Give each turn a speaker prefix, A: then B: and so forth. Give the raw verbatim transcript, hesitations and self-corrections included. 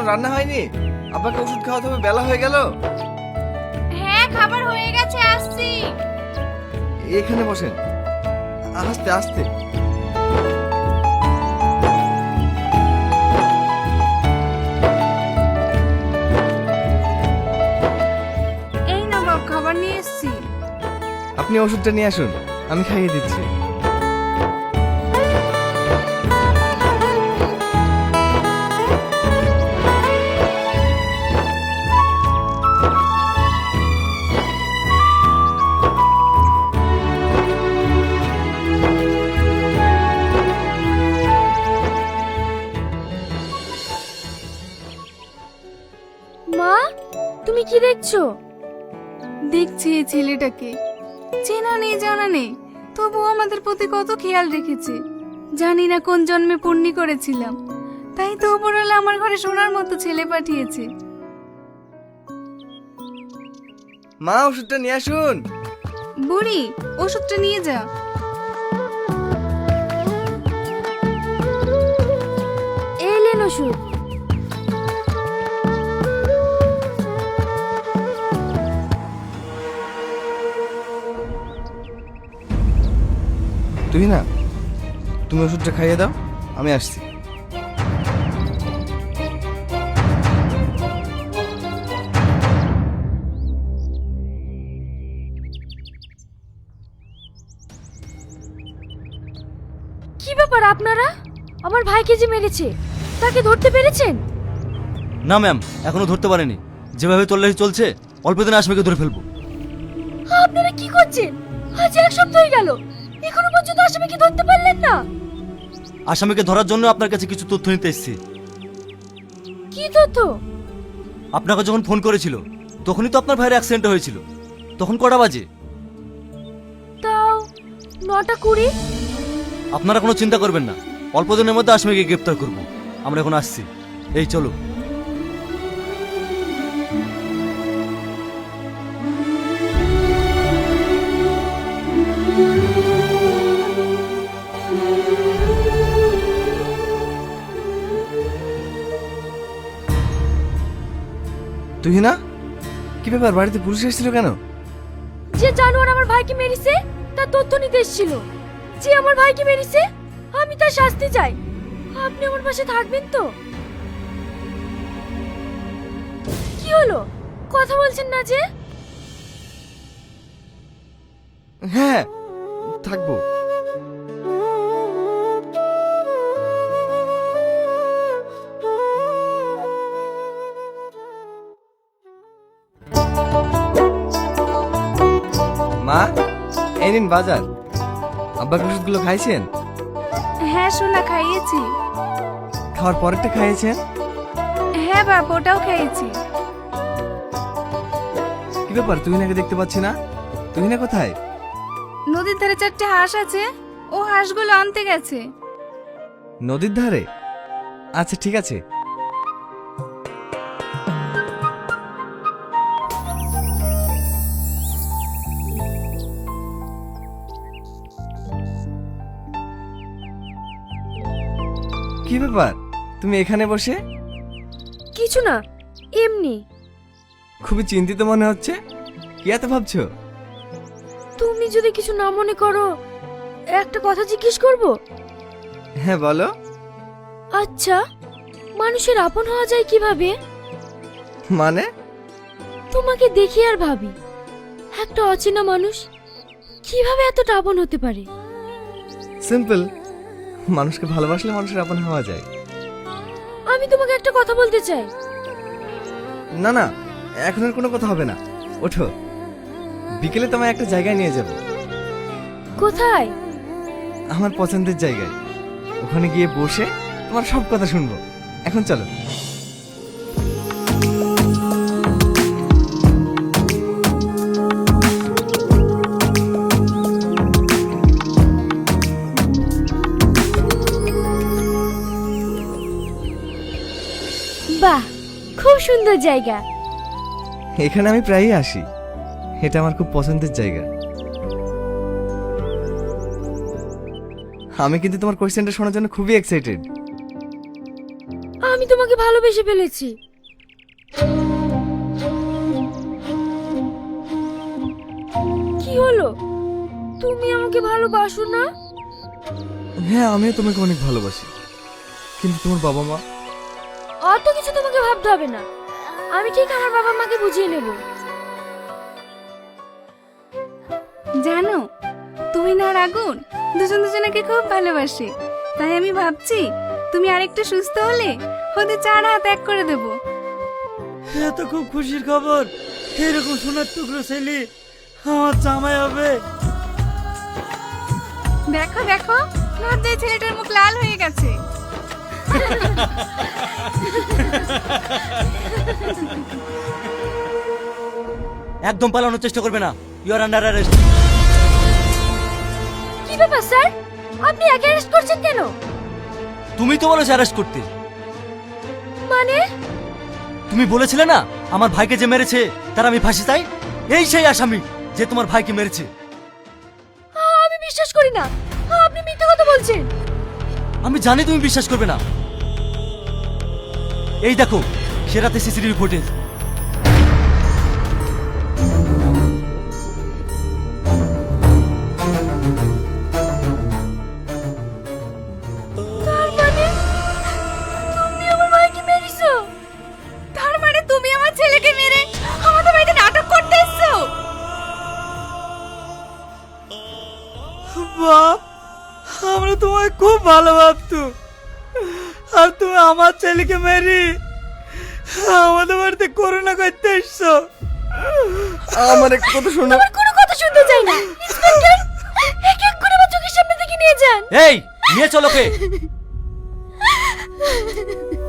A: রান্না হয়নি? আব্বাকে ওষুধ খাওয়াতে হবে, বেলা হয়ে গেল।
B: হ্যাঁ খাবার হয়ে গেছে, আসছি।
A: এখানে বসেন, আস্তে আস্তে।
B: এই না বাপ, খাবার নিয়ে এসছি।
A: আপনি ওষুধটা নিয়ে আসুন, আমি খাইয়ে দিচ্ছি।
B: মা, তুমি কি দেখছো? দেখছি এই ছেলেটাকে, চেনা নেই জানা নেই, তবুও আমাদের প্রতি কত খেয়াল রেখেছে। জানি না কোন জন্মে পুণ্যি করেছিলাম, তাই তো উপরওয়ালা আমার ঘরে সোনার মতো ছেলে পাঠিয়েছে।
A: মা, ওষুধটা নিয়ে আসুন।
B: বুড়ি, ওষুধটা নিয়ে যা। এলেন ওষুধ।
A: তুই না, তুমি ওষুধটা খাইয়ে দাও, আমি আসছি।
B: কি ব্যাপার আপনারা? আমার ভাইকে যে মেরেছে, তাকে ধরতে পেরেছেন?
C: না ম্যাম, এখনো ধরতে পারেনি। যেভাবে তল্লাশি চলছে, অল্প দিনে আসামিকে ধরে ফেলবো।
B: আপনারা কি করছেন? আজ এক সপ্তাহ হয়ে গেল, এখনো পর্যন্ত আসামিকে ধরতে পারলেন না।
C: আসামিকে ধরার জন্য আপনার কাছে কিছু তথ্য নিতে এসেছি।
B: কি তথ্য?
C: আপনাকে যখন ফোন করেছিল, তখনই তো আপনার ভাইয়ের অ্যাক্সিডেন্ট হয়েছিল। তখন কটা বাজে?
B: তাও নটা কুড়ি।
C: আপনারা কোনো চিন্তা করবেন না, অল্প দিনের মধ্যে আসামিকে গ্রেপ্তার করব। আমরা এখন আসছি, এই চলো।
A: তুই না, কি ব্যাপার, বাড়িতে পুলিশ এসেছিল কেন?
B: যে জানোয়ার আমার ভাইকে মেরেছে তার তথ্য নিতে এসেছিল। যে আমার ভাইকে মেরেছে, আমি তার শাস্তি চাই। আপনি আমার পাশে থাকবেন তো? কি হলো, কথা বলছেন না যে?
A: হ্যাঁ, থাকবো। মা, এই নিন বাজার। আব্বাকে ওষুধগুলো খাইছেন?
B: হ্যাঁ সোনা, খাইয়েছি।
A: খাওয়ার পরেরটা খাইয়েছেন?
B: হ্যাঁ বাপ, ওটাও খাইয়েছি।
A: কি ব্যাপার, তুহিনাকে দেখতে পাচ্ছি না? তুহিনা কোথায়?
B: নদীর ধারে চারটে হাঁস আছে, ও হাঁসগুলো আনতে গেছে।
A: নদীর ধারে? আচ্ছা ঠিক আছে। কি ব্যাপার, তুমি এখানে বসে?
B: কিছু না, এমনি।
A: খুবই চিন্তিত মনে হচ্ছে, কি এত ভাবছো?
B: তুমি যদি কিছু না মনে করো, একটা কথা জিজ্ঞেস করব।
A: হ্যাঁ বলো।
B: আচ্ছা, মানুষের আপন হওয়া যায় কিভাবে?
A: মানে?
B: তোমাকে দেখি আর ভাবি, একটা অচেনা মানুষ কিভাবে এতটা আপন হতে পারে?
A: সিম্পল, মানুষকে ভালোবাসলে মানুষের আপন হওয়া যায়।
B: আমি তোমাকে একটা কথা বলতে চাই।
A: না না, এখন আর কোনো কথা হবে না, ওঠো। বিকেলে তোমায় একটা জায়গায় নিয়ে যাব।
B: কোথায়?
A: আমার পছন্দের জায়গায়। ওখানে গিয়ে বসে তোমার সব কথা শুনবো। এখন চলো।
B: বাহ, খুব সুন্দর জায়গা।
A: এখানে আমি প্রায়ই আসি, এটা আমার খুব পছন্দের জায়গা। আমি কিন্তু তোমার কোশ্চেনটা শোনার জন্য খুবই এক্সাইটেড।
B: আমি তোমাকে ভালোবেসে ফেলেছি। কি হলো, তুমি আমাকে ভালোবাসো না?
A: হ্যাঁ, আমিও তোমাকে অনেক ভালোবাসি, কিন্তু তোমার বাবা মা।
B: অত কিছু তোমাকে ভাবতে হবে না, আমি ঠিক আমার বাবা মাকে বুঝিয়ে নেব। জানো, তুমি না আর আগুন দুজন দুজনকে খুব ভালোবাসে, তাই আমি ভাবছি তুমি আরেকটু সুস্থ হলে ওদের চার হাত এক করে দেব।
D: এ তো খুব খুশির খবর। এরকম সোনার টুকরো ছেলে আমার জামাই হবে।
B: দেখো দেখো, লজ্জায় ছেলেটার মুখ লাল হয়ে গেছে।
C: একদম পালানোর চেষ্টা করবে না, ইউ আর আন্ডার অ্যারেস্ট।
B: কি ব্যাপার স্যার, আপনি একে অ্যারেস্ট করছেন কেন?
C: তুমি তো বলেছো অ্যারেস্ট করতে।
B: মানে?
C: তুমি বলেছিলে না আমার ভাইকে যে মেরেছে তার আমি ফাঁসি চাই। এই সেই আসামি যে তোমার ভাইকে মেরেছে।
B: আমি বিশ্বাস করি না, আপনি মিথ্যা কথা বলছেন।
C: আমি জানি তুমি বিশ্বাস করবে না। এই দেখো সে রাতে সিসিটিভি ফুটেজ।
B: তার মানে তুমি আমার ভাইকে মেরেছো? তার মানে তুমি আমার ছেলেকে মেরে আমাদের বাড়িতে নাটক করতে এসেছো?
D: বাপ, আমরা তোমায় খুব ভালো ভাবতো, আর তুমি আমার ছেলেকে মেরি আমাদের বাড়িতে করোনা করতে এসছো।
A: আমার একটা কথা শোনো।
B: আমার কোনো কথা শুনতে চাই না। ইন্সপেক্টর, এক এক করে আমার চোখের সামনে থেকে নিয়ে যান।
C: এই নিয়ে চলো কে।